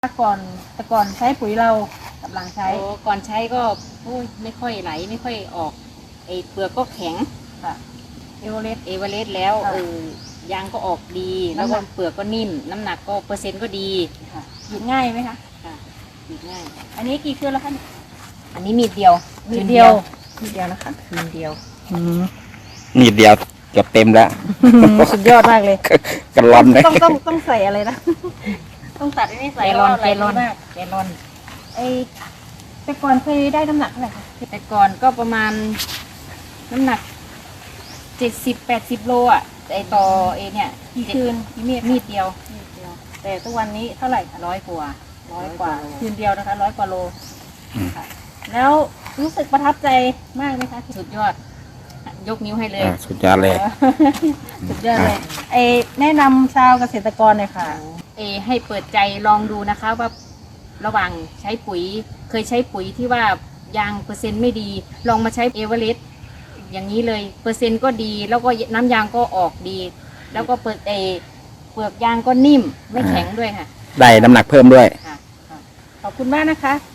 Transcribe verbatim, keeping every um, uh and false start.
ก่อนแต่ก่อนใช้ปุ๋ยเรากับหลังใช้โอ้ก่อนใช้ก็โอ้ยไม่ค่อยไหลไม่ค่อยออกไอ้เปลือกก็แข็งค่ะเอเวอเรสต์เอเวอเรสต์แล้วค่ะเออยางก็ออกดี แล้วน้ำหนัก็กเปลือกก็นิ่มน้ำหนักก็เปอร์เซ็นต์ก็ดีค่ะหยิบง่ายไหมคะค่ะดีง่ายอันนี้กี่เครือแล้วคะเนี่ยอันนี้มีดเดียวมีเดียวมีเดียวนะคะคืนเดียวนิดเดียวเกือบเต็มแล้วสุดยอดมากเลยกันลอนเลยต้องต้องต้องใส่อะไรนะ ต้องตัดอันนี้แกใส่ลอนว่าแกลอนมากแกลอนไอแต่ก่อนเคยได้น้ำหนักเท่าไหร่คะแต่ก่อนก็ประมาณน้ำหนักเจ็ดสิบแปดสิบโลอ่ะไอต่อเอเนี่ยกี่คืนกี่เมีดมีดเดียวมีดเดียว แต่ทุกวันนี้เท่าไหร่คะร้อยกว่าร้อยกว่าโลคืนเดียวนะคะร้อยกว่าโลอืมค่ะ แล้วรู้สึกประทับใจมากไหมคะสุดยอด ยกนิ้วให้เลยอ่าสุดยอดเลยสุดยอดเลยไอแนะนำชาวเกษตรกรหน่อยค่ะเอให้เปิดใจลองดูนะคะว่าระหว่างใช้ปุ๋ยเคยใช้ปุ๋ยที่ว่ายางเปอร์เซ็นต์ไม่ดี ลองมาใช้เอเวอเรสต์อย่างนี้เลยเปอร์เซ็นต์ก็ดีแล้วก็น้ำยางก็ออกดี แล้วก็เปิดเอเปลือกยางก็นิ่มไม่แข็งด้วยค่ะได้น้ำหนักเพิ่มด้วยค่ะขอบคุณมากนะคะ